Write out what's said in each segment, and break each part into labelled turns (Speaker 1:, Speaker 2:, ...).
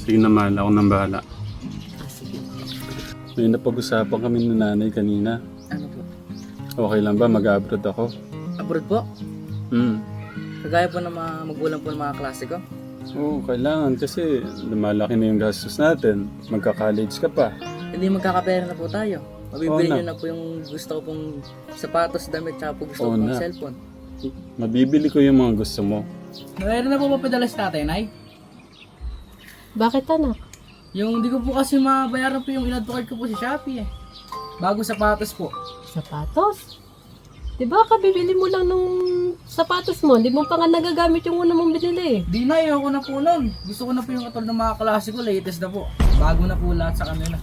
Speaker 1: Sige na mahal, ako nang bahala.
Speaker 2: Sige.
Speaker 1: May napag-usapan kami ng nanay kanina.
Speaker 2: Ano po?
Speaker 1: Okay lang ba mag-abroad ako?
Speaker 2: Abroad po?
Speaker 1: Hmm.
Speaker 2: Kagaya po ng mga magulang po ng mga klase ko?
Speaker 1: Oo, kailangan kasi lumalaki na yung gastos natin. Magka-college ka pa.
Speaker 2: Hindi magkakapera na po tayo. Mabibili
Speaker 1: Oo
Speaker 2: nyo na po yung gusto ko pong sapatos, damit, tsaka po gusto ko
Speaker 1: Oo
Speaker 2: pong
Speaker 1: na.
Speaker 2: cellphone.
Speaker 1: Mabibili ko yung mga gusto mo.
Speaker 2: Mayroon na po ba padala sa tatay, Nay?
Speaker 3: Bakit anak?
Speaker 2: Yung hindi ko po kasi mabayaran po yung in-advocate ko po sa Shopee eh. Bago sapatos po.
Speaker 3: Sapatos? Diba kabibili mo lang ng sapatos mo? Di mo pa nga nagagamit yung una mong binili eh.
Speaker 2: Di na, ayoko na po nun. Gusto ko na po yung katulad ng mga klase ko, latest na po. Bago na po lahat sa kanila.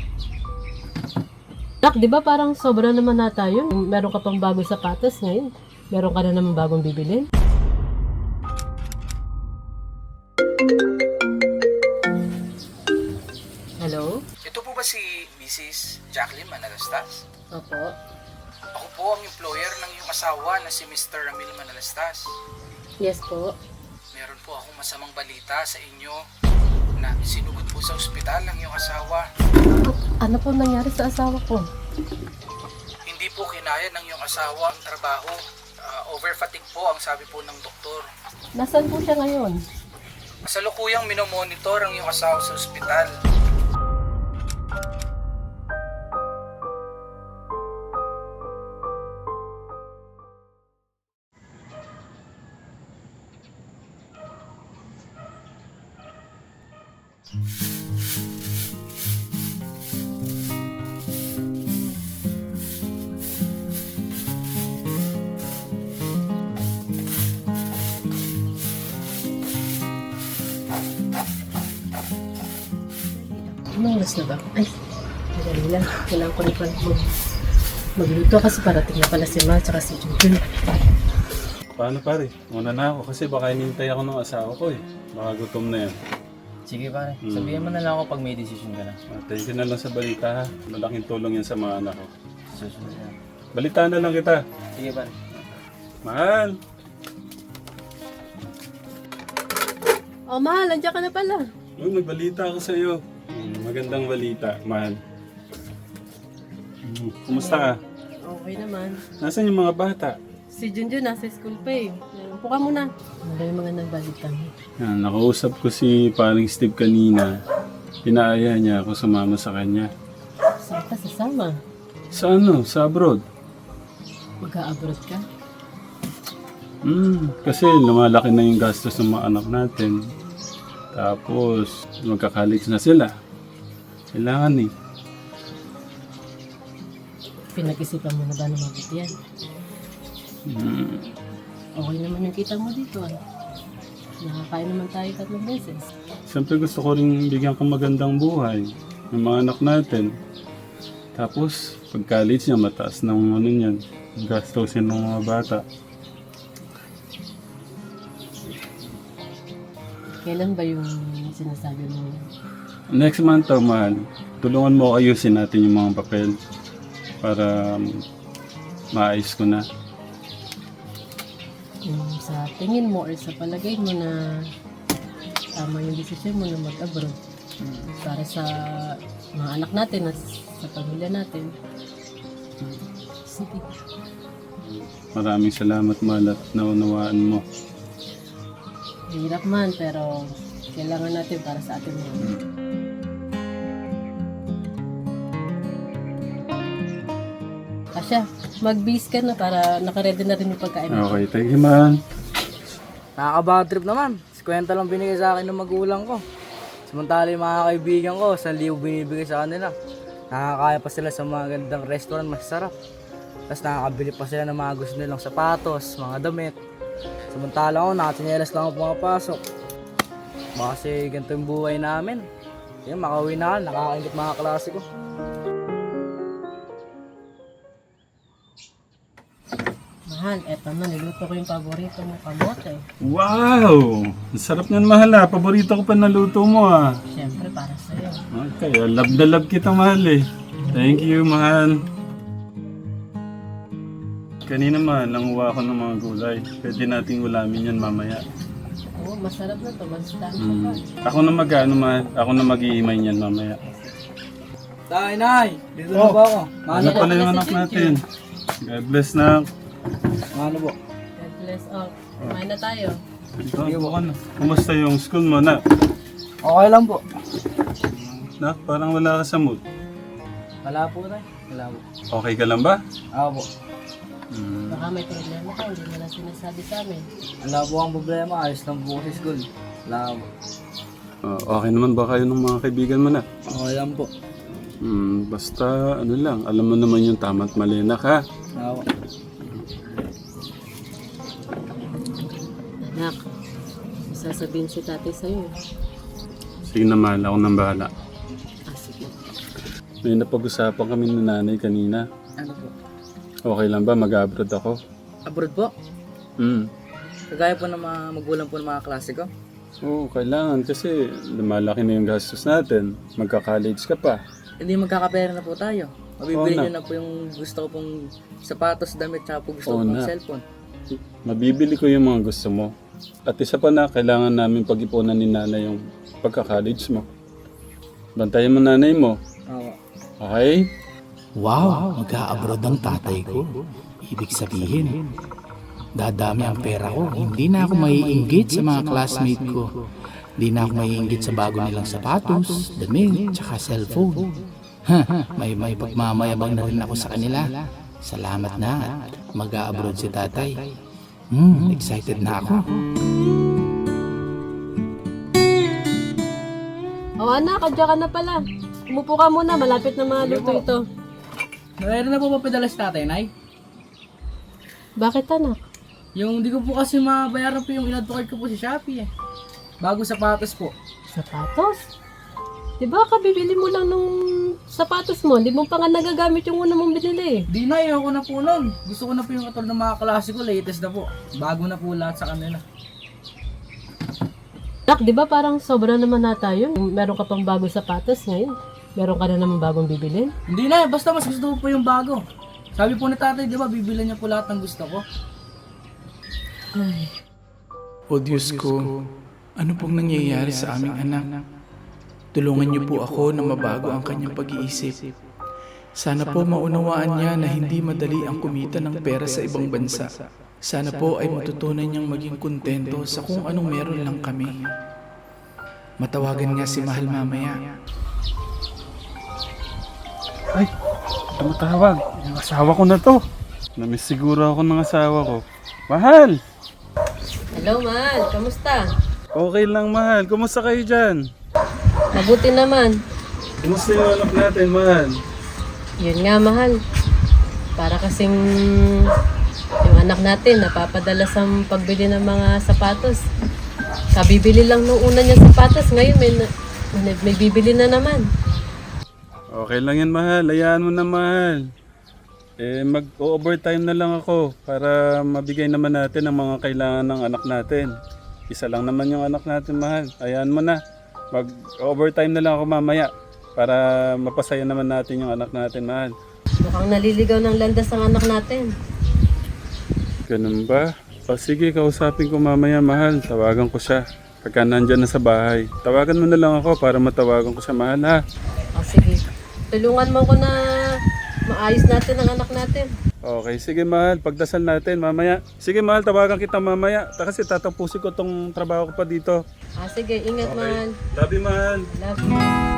Speaker 3: Nak, di ba parang sobra naman na tayo? Meron ka pang bagong sapatos ngayon. Meron ka na naman bagong bibilin. Hello?
Speaker 4: Ito po ba si Mrs. Jacqueline Manalastas?
Speaker 3: Opo.
Speaker 4: Ako po ang employer ng iyong asawa na si Mr. Ramil Manalastas.
Speaker 3: Yes po.
Speaker 4: Meron po akong masamang balita sa inyo na sinugod po sa ospital ang iyong asawa.
Speaker 3: Ano po nangyari sa asawa ko?
Speaker 4: Hindi po kinaya ng iyong asawa ang trabaho. Overfatigue po ang sabi po ng doktor.
Speaker 3: Nasaan po siya ngayon?
Speaker 4: Kasalukuyang minomonitor ang iyong asawa sa ospital.
Speaker 3: Anong oras na ba? Ay, madali lang. Kailangan ko na pala magluto kasi parating na pala si Ma at si Junjun.
Speaker 1: Paano pare? Muna na ako kasi baka hinintay ako ng asawa ko eh. Baka gutom na yan.
Speaker 2: Sige pare, sabihin mo na lang ako pag may decision ka na.
Speaker 1: Thank you na lang sa balita ha. Malaking tulong yan sa mga anak ko.
Speaker 2: Susunod na.
Speaker 1: Balita na lang kita.
Speaker 2: Sige pare.
Speaker 1: Mahal!
Speaker 3: Oh, mahal, nandiyan ka na pala.
Speaker 1: Uy, may balita ako sa iyo. Magandang balita, mahal. Kumusta ka?
Speaker 3: Okay naman.
Speaker 1: Nasaan yung mga bata?
Speaker 3: Si Junjun nasa school pa eh. Upo ka muna. Ano ba yung mga nagbalita mo?
Speaker 1: Yan, nakausap ko si paring Steve kanina. Pinaaya niya ako sumama sa kanya.
Speaker 3: Saan ka sasama?
Speaker 1: Sa ano? Sa abroad?
Speaker 3: Mag-a-abroad ka?
Speaker 1: Kasi lumalaki na yung gastos ng mga anak natin. Tapos, magka-college na sila. Kailangan eh.
Speaker 3: Pinag-isipan mo na ba na mabuti yan? Okay naman yung kita mo dito ah. Nakakain naman tayo 3 beses.
Speaker 1: Siyempre gusto ko rin bigyan ka magandang buhay ng mga anak natin. Tapos, pag college niya, mataas ng ano niyan. Gastusin ng mga bata.
Speaker 3: Kailan ba yung sinasabi mo?
Speaker 1: Next month to, mahal. Tulungan mo ako ayusin natin yung mga papel para maayos ko na.
Speaker 3: Yung sa tingin mo or sa palagay mo na tama yung desisyon mo na mag-abroad para sa mga anak natin at sa pamilya natin. Sige.
Speaker 1: Maraming salamat, mahal, at naunawaan mo.
Speaker 3: Hirap man pero kailangan natin para sa atin mo. Asya, mag-bis ka na para nakaredy na rin yung pagkain mo.
Speaker 1: Okay, thank you, mahal.
Speaker 2: Nakaka-bad trip naman. 50 lang binigay sa akin ng magulang ko. Samantala yung mga kaibigan ko, 1,000 binibigay sa kanila. Nakakaya pa sila sa mga gandang restaurant, masarap. Tapos nakakabili pa sila ng mga gusto nilang sapatos, mga damit. Samantala ako, nakatinyelas lang ako pumapasok. Baka kasi ganito yung buhay namin. Yan, makauwi na ako, nakakaingit mga klase ko.
Speaker 3: Mahal, eto na, niluto ko yung paborito mong kamote.
Speaker 1: Wow! Ang sarap niyan, mahal ah. Paborito ko pa naluto mo ah.
Speaker 3: Siyempre, para sa'yo.
Speaker 1: Okay, love na love kita, mahal eh. Thank you, mahal. Kanina mahal, nanguha ako ng mga gulay. Pwede nating ulamin yan mamaya.
Speaker 3: Oo, masarap na to. Masustansya
Speaker 1: Mm.
Speaker 3: pa.
Speaker 1: Ako na mag-ano, ako na mag-iimay niyan mamaya.
Speaker 2: Tay, nay, dito na ba ako?
Speaker 1: Ano pala yung anak natin? God bless na.
Speaker 2: Ano po?
Speaker 3: God bless. Oh, kumain na tayo.
Speaker 1: Ito, bukan na. Kumusta yung school mo na?
Speaker 2: Okay lang po.
Speaker 1: Na, parang wala ka sa mood.
Speaker 2: Wala po tay. Wala po.
Speaker 1: Okay ka lang ba?
Speaker 2: Ako po.
Speaker 1: Mm.
Speaker 3: Baka may problema ka, hindi mo lang sinasabi sa amin.
Speaker 2: Wala po ang problema. Ayos lang po sa school. Wala po.
Speaker 1: Okay naman ba kayo ng mga kaibigan mo na?
Speaker 2: Okay lang po.
Speaker 1: Basta ano lang, alam mo naman yung tama at mali na ka.
Speaker 2: Wala po.
Speaker 3: Anak, may sasabihin si tatay sa'yo.
Speaker 1: Sige na mahal, ako nang bahala.
Speaker 3: Ah, sige.
Speaker 1: May napag-usapan kami ng nanay kanina.
Speaker 2: Ano po?
Speaker 1: Okay lang ba mag-abroad ako?
Speaker 2: Abroad po?
Speaker 1: Hmm.
Speaker 2: Kagaya po ng mga magulang po ng mga klase ko.
Speaker 1: Oo, kailangan kasi lumalaki na yung gastos natin. Magka-college ka pa.
Speaker 2: Hindi magkakapera na po tayo. Mabibili
Speaker 1: Oo
Speaker 2: nyo na po yung gusto ko pong sapatos, damit, tsaka po gusto ko
Speaker 1: Oo
Speaker 2: pong
Speaker 1: na.
Speaker 2: cellphone.
Speaker 1: Mabibili ko yung mga gusto mo. At isa pa na, kailangan namin pag-ipunan ni nanay yung pagka-college mo. Bantayan mo nanay mo.
Speaker 2: Oo.
Speaker 1: Okay?
Speaker 4: Wow, mag-a-abroad ang tatay ko. Ibig sabihin, dadami ang pera ko. Hindi na ako maiinggit sa mga classmate ko. Hindi na ako maiinggit sa bago nilang sapatos, damit, tsaka cellphone. May pagmamayabang na rin ako sa kanila. Salamat na at mag-a-abroad si tatay. Excited na ako.
Speaker 3: Oh, anak, kadya ka na pala. Umupo ka muna, malapit na mga luto ito.
Speaker 2: Mayroon na po ba padala si tatay, nay?
Speaker 3: Bakit, anak?
Speaker 2: Yung di ko po kasi mabayaran po yung in-advocate ko po sa Shopee eh. Bago sapatos po.
Speaker 3: Sapatos? Di ba kabibili mo lang nung sapatos mo? Di mo pa nga nagagamit yung una mong binili eh.
Speaker 2: Di na, ayoko na po nun. Gusto ko na po yung katulad ng mga klase ko, latest na po. Bago na po lahat sa kanila.
Speaker 3: Anak, di ba parang sobra naman na tayo? Meron ka pang bagong sapatos ngayon. Meron ka na naman bagong bibilin.
Speaker 2: Hindi na, basta mas gusto ko po yung bago. Sabi po ni tatay, di ba, bibilan niya po lahat ng gusto ko.
Speaker 3: Ay,
Speaker 5: O Diyos ko, ano pong nangyayari sa aming anak? Tulungan niyo po ako na mabago ang kanyang pag-iisip. Sana po maunawaan niya na hindi madali ang kumita ng pera sa ibang bansa. Sana po ay matutunan niyang maging kontento sa kung anong meron lang kami. Matawagan nga si Mahal mamaya.
Speaker 1: Ay, tumatawag. Yung asawa ko na to. Namiss siguro ako ng asawa ko. Mahal!
Speaker 3: hello, Mahal. Kamusta?
Speaker 1: Okay lang, mahal. Kumusta kayo dyan?
Speaker 3: Mabuti naman.
Speaker 1: Kumusta yung anak natin, mahal?
Speaker 3: Yun nga, Mahal. Para kasing yung anak natin napapadala sa pagbili ng mga sapatos. Kabibili lang nung una niya sapatos. Ngayon may bibili na naman.
Speaker 1: Okay lang yan, mahal. Hayaan mo na, mahal. Mag-overtime na lang ako para mabigay naman natin ang mga kailangan ng anak natin. Isa lang naman yung anak natin, mahal. Hayaan mo na. Mag-overtime na lang ako mamaya para mapasaya naman natin yung anak natin, mahal.
Speaker 3: Mukhang naliligaw ng landas ang anak natin.
Speaker 1: Ganun ba? O sige, kausapin ko mamaya, mahal. Tawagan ko siya. Pagka nandyan na sa bahay. Tawagan mo na lang ako para matawagan ko siya, mahal, ha?
Speaker 3: O sige, tulungan mo ko na maayos natin ang anak natin.
Speaker 1: Okay, sige, mahal. Pagdasal natin mamaya. Sige, mahal. Tawagan kita mamaya. Kasi tatapusin ko tong trabaho ko pa dito.
Speaker 3: Sige, ingat, Mahal.
Speaker 1: Love you, mahal.
Speaker 3: Love you.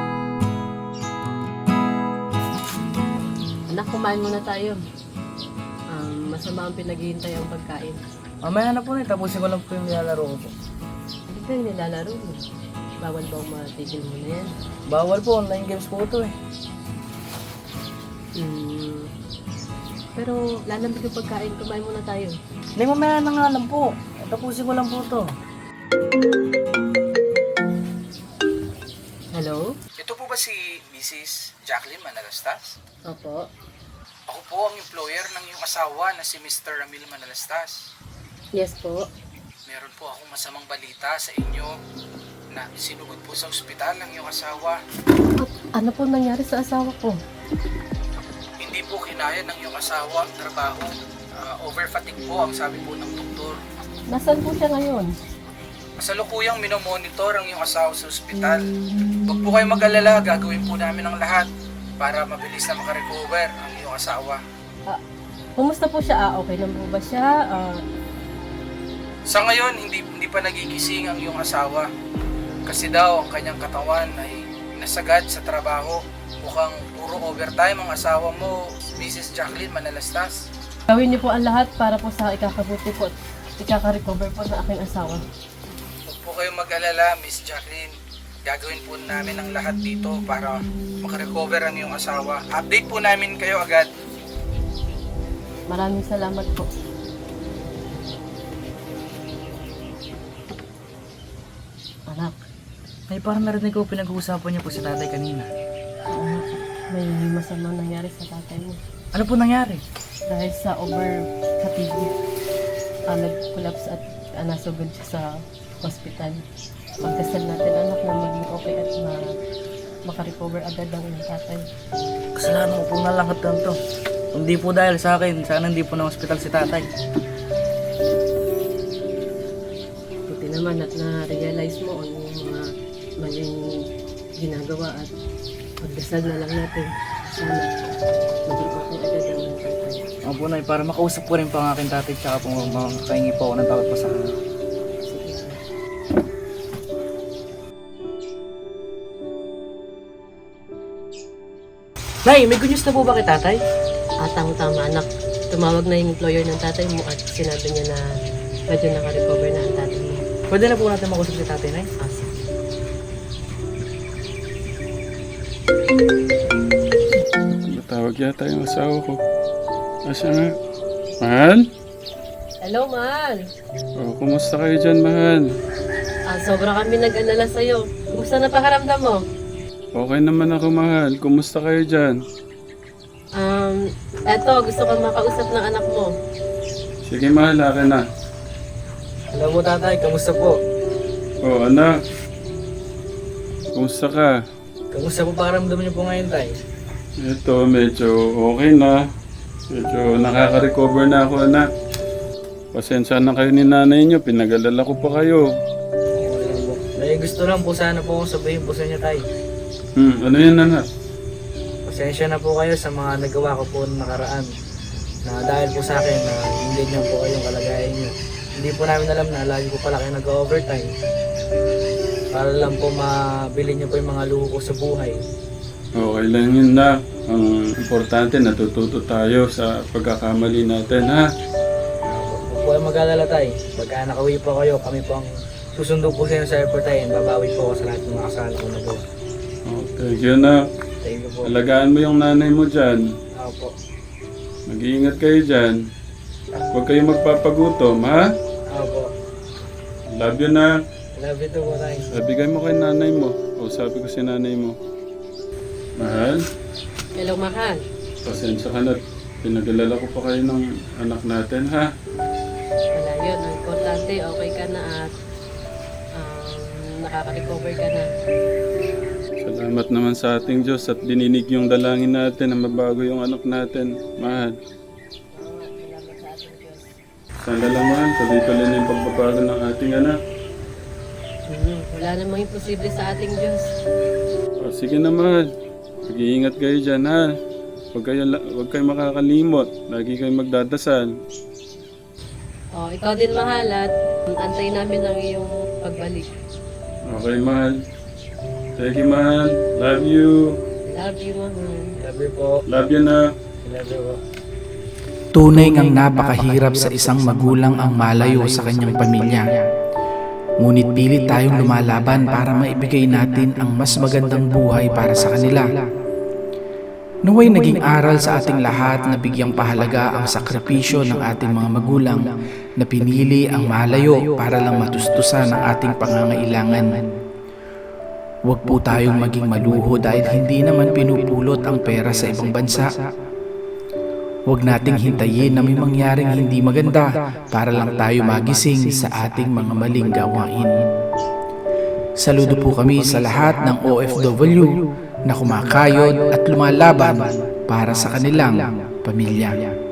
Speaker 3: Anak, kumain muna tayo. Masama ang pinaghihintay ang pagkain.
Speaker 2: Mamaya na po na, tapusin ko lang po yung nilalaro ko po.
Speaker 3: Hindi ka yung nilalaro mo. Bawal ba ang matigil mo na yan?
Speaker 2: Bawal po, online games po ito eh.
Speaker 3: Pero lalambig yung pagkain, kumain muna tayo.
Speaker 2: Hindi, mamaya na nga lang po. Tapusin ko lang po ito.
Speaker 3: Hello?
Speaker 4: Ito po ba si Mrs. Jacqueline Manalastas?
Speaker 3: Opo.
Speaker 4: Ako po ang employer ng iyong asawa na si Mr. Ramil Manalastas.
Speaker 3: Yes po.
Speaker 4: Meron po akong masamang balita sa inyo na sinugod po sa ospital ng iyong asawa.
Speaker 3: At ano po nangyari sa asawa ko?
Speaker 4: Hindi po kinaya ng iyong asawa ang trabaho. Overfatigue po ang sabi po ng doktor.
Speaker 3: Nasaan po siya ngayon?
Speaker 6: Kasalukuyang minomonitor ang iyong asawa sa ospital. Huwag po kayong mag-alala, gagawin po namin ang lahat para mabilis na makarecover ang iyong asawa.
Speaker 3: Kumusta po siya? Okay lang po ba siya?
Speaker 6: Sa ngayon, hindi pa nagigising ang iyong asawa. Kasi daw ang kanyang katawan ay nasagad sa trabaho. Mukhang puro overtime ang asawa mo, Mrs. Jacqueline Manalastas.
Speaker 3: Gawin niyo po ang lahat para po sa ikakabuti po at ikaka-recover po ng aking asawa.
Speaker 6: Huwag po kayong mag-alala, Miss Jacqueline. Gagawin po namin ang lahat dito para makarecover ang iyong asawa. Update po namin kayo agad.
Speaker 3: Maraming salamat po.
Speaker 2: Anak, may parang narinig ko pinag-uusapan niyo po si tatay kanina.
Speaker 3: May masamang nangyari sa tatay mo.
Speaker 2: Ano po nangyari?
Speaker 3: Dahil sa over-fatigue, nag-collapse at nasugod siya sa hospital. Pagdasal natin anak na maging okay at makarecover agad ang iyong tatay.
Speaker 2: Kasalanan ko po na lang at to. Kung di po dahil sa akin, sana hindi po na hospital si tatay.
Speaker 3: Buti naman at na-realize mo ang mga maling ginagawa at pagdasal na lang natin. Sana maging okay agad ang iyong tatay.
Speaker 2: Ako po na para makausap ko rin po ang aking tatay tsaka po makakahingi po ako ng tawad po sa kanya.
Speaker 3: Sige.
Speaker 2: Nay, may good news na po ba kay tatay?
Speaker 3: Tama anak. Tumawag na yung employer ng tatay mo at sinabi niya na medyo naka-recover na ang tatay mo.
Speaker 2: Pwede na po natin makausap si tatay, Nay?
Speaker 3: Sige.
Speaker 1: Matawag yata yung asawa ko. Asa nga? Mahal?
Speaker 3: Hello, Mahal.
Speaker 1: O, kumusta kayo dyan, Mahal?
Speaker 3: Sobra kami nag-alala sa'yo. Kumusta na pakiramdam mo?
Speaker 1: Okay naman ako, Mahal. Kumusta kayo dyan?
Speaker 3: Eto, gusto kong makausap ng anak mo.
Speaker 1: Sige, Mahal, akin na.
Speaker 2: Hello po tatay, kamusta po?
Speaker 1: O, anak. Kumusta ka?
Speaker 2: Kamusta po pakiramdam niyo po ngayon, tay?
Speaker 1: Ito, medyo okay na. Medyo nakaka-recover na ako, anak. Pasensya na kayo ni nanay niyo. Pinag-alala ko pa kayo.
Speaker 2: Nay, gusto lang po sana po akong sabihin po sa inyo, tay.
Speaker 1: Ano yan, anak?
Speaker 2: Pasensya na po kayo sa mga nagawa ko po noong nakaraan. Na dahil po sa akin na hindi niyo po kayong kalagayan niyo. Hindi po namin alam na lagi ko pala kayo nag-overtime. Para lang po mabili niyo po yung mga luho ko sa buhay.
Speaker 1: Okay lang yun, na. Ang importante, natututo tayo sa pagkakamali natin, ha?
Speaker 2: Huwag po kayo mag-alala, tay. Pagka nakauwi po kayo, kami po ang susundo po sa inyo sa airport, tay. Babawi po ako sa lahat ng mga kasalanan ko na po.
Speaker 1: Oh, thank you, na.
Speaker 2: Thank you po.
Speaker 1: Alagaan mo yung nanay mo dyan.
Speaker 2: Ako po.
Speaker 1: Mag-iingat kayo dyan. Huwag kayo magpapagutom, ha?
Speaker 2: Ako po.
Speaker 1: Love you, na.
Speaker 2: Love you too po, tay.
Speaker 1: Bigay mo kay nanay mo. O, sabi ko si nanay mo. Mahal,
Speaker 3: Hello, Mahal.
Speaker 1: pasensya ka na. Pinag-alala ko pa kayo ng anak natin, ha?
Speaker 3: Wala yun. Ang importante, okay ka na at nakaka-recover ka na.
Speaker 1: Salamat naman sa ating Diyos at dininig yung dalangin natin na mabago yung anak natin. Mahal.
Speaker 3: Salamat sa ating Diyos.
Speaker 1: Sana lang, mahal. Tuloy-tuloy na yung pagbabago ng ating anak.
Speaker 3: Wala namang imposible sa ating Diyos.
Speaker 1: O, sige na, mahal. Mag-iingat kayo dyan, ha? Huwag kayo makakalimot. Lagi kayo magdadasal.
Speaker 3: Ikaw din, Mahal, at antay namin ang iyong pagbalik.
Speaker 1: Okay, mahal. Thank you, mahal. Love you.
Speaker 3: Love you, Mahal.
Speaker 2: Love you po.
Speaker 1: Love you, na.
Speaker 2: Love you po.
Speaker 4: Tunay ngang napakahirap sa isang magulang ang malayo sa kanyang pamilya. Ngunit pilit tayong lumalaban para maibigay natin ang mas magandang buhay para sa kanila. Naway naging aral sa ating lahat na bigyang pahalaga ang sakripisyo ng ating mga magulang na pinili ang malayo para lang matustusan ang ating pangangailangan. Huwag po tayong maging maluho dahil hindi naman pinupulot ang pera sa ibang bansa. Huwag nating hintayin na may mangyaring hindi maganda para lang tayo magising sa ating mga maling gawain. Saludo po kami sa lahat ng OFW na kumakayod at lumalaban para sa kanilang pamilya.